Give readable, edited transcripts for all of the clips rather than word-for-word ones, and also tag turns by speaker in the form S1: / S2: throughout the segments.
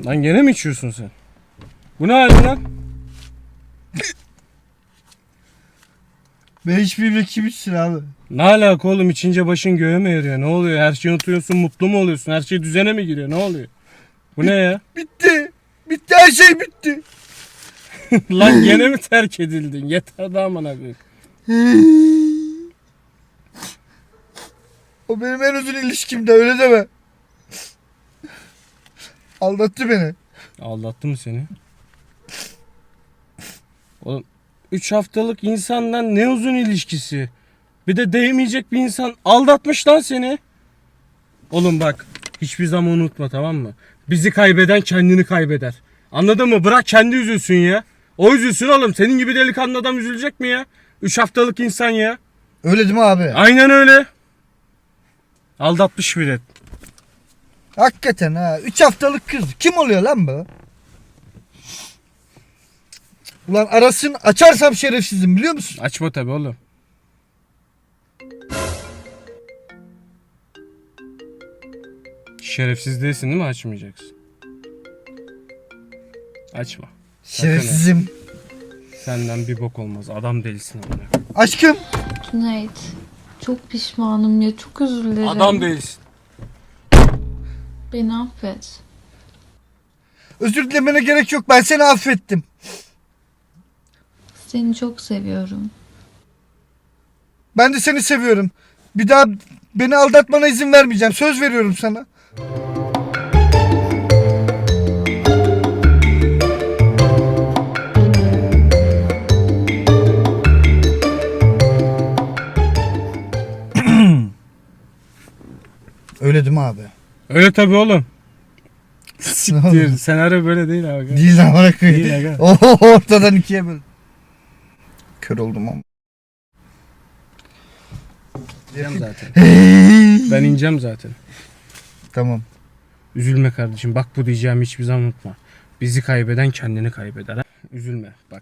S1: Lan gene mi içiyorsun sen? Bu ne halin lan?
S2: Ben hiçbir kim içsin abi?
S1: Ne alaka oğlum, içince başın göğe mi eriyor? Ne oluyor? Her şeyi unutuyorsun, mutlu mu oluyorsun? Her şey düzene mi giriyor? Ne oluyor? Bu ne ya?
S2: Bitti. Bitti, her şey bitti.
S1: Lan gene mi terk edildin? Yeter daha amına koyayım.
S2: O benim en uzun ilişkimde, öyle deme. Aldattı beni.
S1: Aldattı mı seni? Oğlum 3 haftalık insandan ne uzun ilişkisi? Bir de değmeyecek bir insan aldatmış lan seni. Oğlum bak, hiçbir zaman unutma, tamam mı? Bizi kaybeden kendini kaybeder. Anladın mı? Bırak kendi üzülsün ya. O üzülsün oğlum. Senin gibi delikanlı adam üzülecek mi ya? 3 haftalık insan ya.
S2: Öyle değil mi abi?
S1: Aynen öyle. Aldatmış bile.
S2: Hakikaten ha. 3 haftalık kız. Kim oluyor lan bu? Ulan arasın, açarsam şerefsizim, biliyor musun?
S1: Açma tabi oğlum. Şerefsiz değilsin değil mi, açmayacaksın? Açma.
S2: Şerefsizim.
S1: Senden bir bok olmaz. Adam delisin amına.
S2: Aşkım.
S3: Cüneyt, çok pişmanım ya, çok özür dilerim.
S1: Adam değilsin.
S3: Beni affet.
S2: Özür dilemene gerek yok. Ben seni affettim.
S3: Seni çok seviyorum.
S2: Ben de seni seviyorum. Bir daha beni aldatmana izin vermeyeceğim. Söz veriyorum sana. Öyle değil mi abi?
S1: Öyle tabi oğlum.
S2: Ne
S1: Siktir.
S2: oldu?
S1: Senaryo böyle değil abi.
S2: Değil lan, bırak.
S1: Değil aga.
S2: Oho, ortadan ikiye böl. Kör oldum ama.
S1: İneceğim zaten. Ben ineceğim zaten.
S2: Tamam.
S1: Üzülme kardeşim. Bak, bu diyeceğimi hiçbir zaman unutma. Bizi kaybeden kendini kaybeder. Ha? Üzülme bak.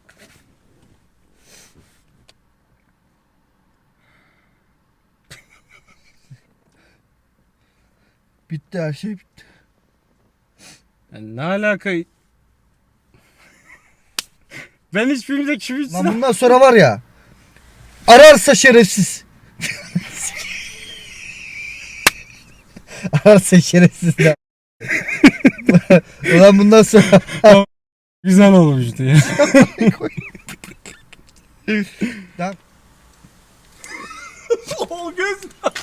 S2: Bitti, her şey bitti.
S1: Yani ne alaka? Ben hiçbirimize kim
S2: Lan
S1: içsin?
S2: bundan sonra var ya, ararsa şerefsiz. Ararsa şerefsiz de. Ulan bundan sonra
S1: Güzel olmuştu ya.
S2: Lan.
S1: O göz.